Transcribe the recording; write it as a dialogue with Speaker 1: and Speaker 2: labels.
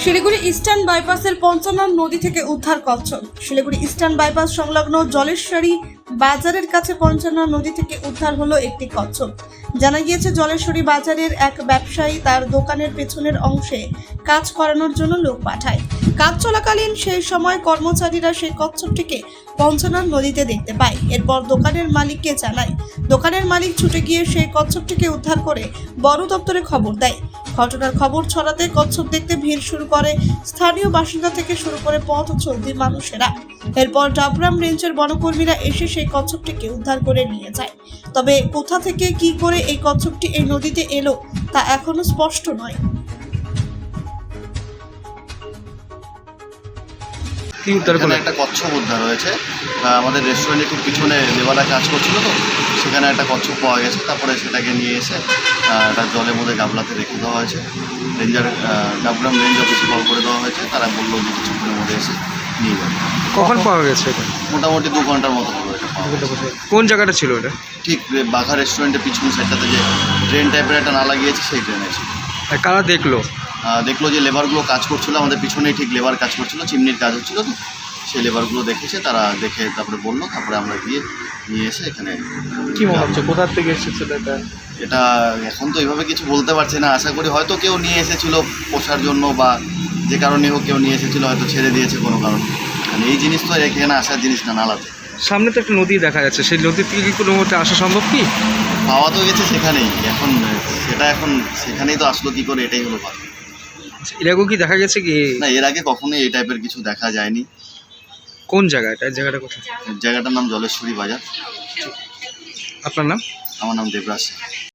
Speaker 1: Siliguri eastern বাইপাসের Panchanan নদী থেকে উদ্ধার কচ্ছপ। শিলিগুড়ি ইস্টার্ন বাইপাস সংলগ্ন জলেশ্বরী বাজারের কাছে পঞ্চনন নদী থেকে উদ্ধার হলো একটি কচ্ছপ। জানা গিয়েছে, জলেশ্বরী বাজারের এক ব্যবসায়ী তার দোকানের পেছনের অংশে কাজ করানোর জন্য লোক পাঠায়। কাজ চলাকালীন সেই সময় কর্মচারীরা সেই কচ্ছপটিকে পঞ্চনন নদীতে দেখতে পায়। এরপর দোকানের মালিককে জানায়। দোকানের মালিক ছুটে গিয়ে সেই কচ্ছপটিকে উদ্ধার করে বন দপ্তরে খবর দেয়। ঘটনার খবর ছড়াতে কচ্ছপ দেখতে ভিড় শুরু করে স্থানীয় বাসিন্দা থেকে শুরু করে পথ চলতি মানুষেরা। এরপর ডাবগ্রাম রেঞ্জের বনকর্মীরা এসে সেই কচ্ছপটিকে উদ্ধার করে নিয়ে যায়। তবে কোথা থেকে কি করে এই কচ্ছপটি এই নদীতে এলো তা এখনো স্পষ্ট নয়।
Speaker 2: এখানে একটা কচ্ছপ উদ্ধার হয়েছে। আমাদের রেস্টুরেন্টের ঠিক পিছনে লেবাররা কাজ করছিল, তো সেখানে একটা কচ্ছপ পাওয়া গেছে। তারপরে সেটাকে নিয়ে এসে একটা জলের মধ্যে গামলাতে রেখে দেওয়া হয়েছে। রেঞ্জার ডাবগ্রাম রেঞ্জ অফিসে কল করে দেওয়া হয়েছে। তারা বললো যে কিছুক্ষণের মধ্যে এসে নিয়ে যাবে।
Speaker 3: কখন পাওয়া গেছে এটা?
Speaker 2: মোটামুটি 2 ঘন্টার মতো হলো এটা পাওয়া গেছে।
Speaker 3: কোন জায়গাটা ছিল এটা?
Speaker 2: ঠিক বাঘা রেস্টুরেন্টের পিছন সাইডটাতে যে ড্রেন টাইপের একটা নালা গিয়েছে, সেই ড্রেনে ছিল।
Speaker 3: আর কারা দেখলো?
Speaker 2: দেখলো যে লেবারগুলো কাজ করছিল, আমাদের পিছনেই ঠিক লেবার কাজ করছিল, চিমনির কাজ হচ্ছিল, তো সেই লেবারগুলো দেখেছে। তারা দেখে তারপরে বললো, তারপরে আমরা গিয়ে নিয়ে এসে এখানে।
Speaker 3: কি মনে হচ্ছে কোথা থেকে এসেছিল এটা?
Speaker 2: এটা এখন তো এইভাবে কিছু বলতে পারছি না। আশা করি হয়তো কেউ নিয়ে এসেছিল পোষার জন্য, বা যে কারণে হোক কেউ নিয়ে এসেছিলো, হয়তো ছেড়ে দিয়েছে কোনো কারণ। মানে এই জিনিস তো এখানে আসার জিনিস না, নালাতে।
Speaker 3: সামনে তো একটা নদী দেখা যাচ্ছে, সেই নদী থেকে কি কোনো মতে আসা সম্ভব কি?
Speaker 2: পাওয়া তো গেছে সেখানেই, এখন সেখানেই তো আসলো কী করে, এটাই হলো কথা।
Speaker 3: এর আগেও কি দেখা গেছে কি?
Speaker 2: না, এর আগে কখনোই এই টাইপের কিছু দেখা যায়নি।
Speaker 3: কোন জায়গা এটা? জায়গাটা কোথায়?
Speaker 2: জায়গাটার নাম জলেশ্বরী বাজার।
Speaker 3: আপনার নাম?
Speaker 2: আমার নাম দেবরাজ।